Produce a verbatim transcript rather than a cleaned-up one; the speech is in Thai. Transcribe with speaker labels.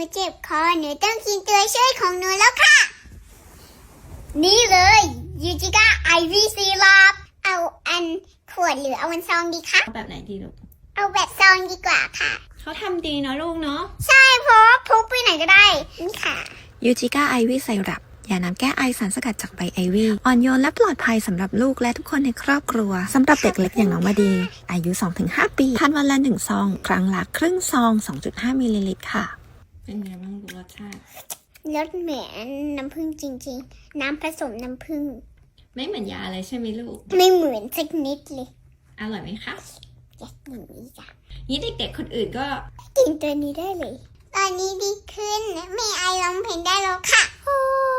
Speaker 1: เจ็บคอหนูต้องกินตัวช่วยของหนูแล้วค่ะนี่เลยยูจิก้าไอวี่ซีรัปเอาอันขวดหรือเอาอันซองดีคะ
Speaker 2: เอาแบบไหนดีลูก
Speaker 1: เอาแบบซองดีกว่าค่ะ
Speaker 2: เขาทำดีเนาะลูกเนาะ
Speaker 1: ใช่เพราะพกไปไหนก็ได้นี่ค่ะ
Speaker 3: ยูจิก้าไอวี่ไซรัปยาน้ำแก้ไอสารสกัดจากใบไอวี่อ่อนโยนและปลอดภัยสำหรับลูกและทุกคนในครอบครัวสำหรับเด็กเล็กอย่างน้องมาดีอายุ สองถึงห้า ปีทานวันละหนึ่งซองครั้งละครึ่งซอง สองจุดห้า มิลลิลิตรค่ะ
Speaker 2: เป็นไงบ้างลูกรสชาติ
Speaker 1: รสเหมือนน้ำผึ้งจริงๆน้ำผสมน้ำผึ้ง
Speaker 2: ไม่เหมือนยาอะไรใช่ไหมลูก
Speaker 1: ไม่เหมือนสักนิดเลย
Speaker 2: อร่อยไหมคะ
Speaker 1: อยากกินนี้จ้ะ
Speaker 2: นี่เด็กๆคนอื่นก็
Speaker 1: กินตัวนี้ได้เลยตอนนี้ดีขึ้นแม่ไอร้องเพลงได้แล้วค่ะโอ้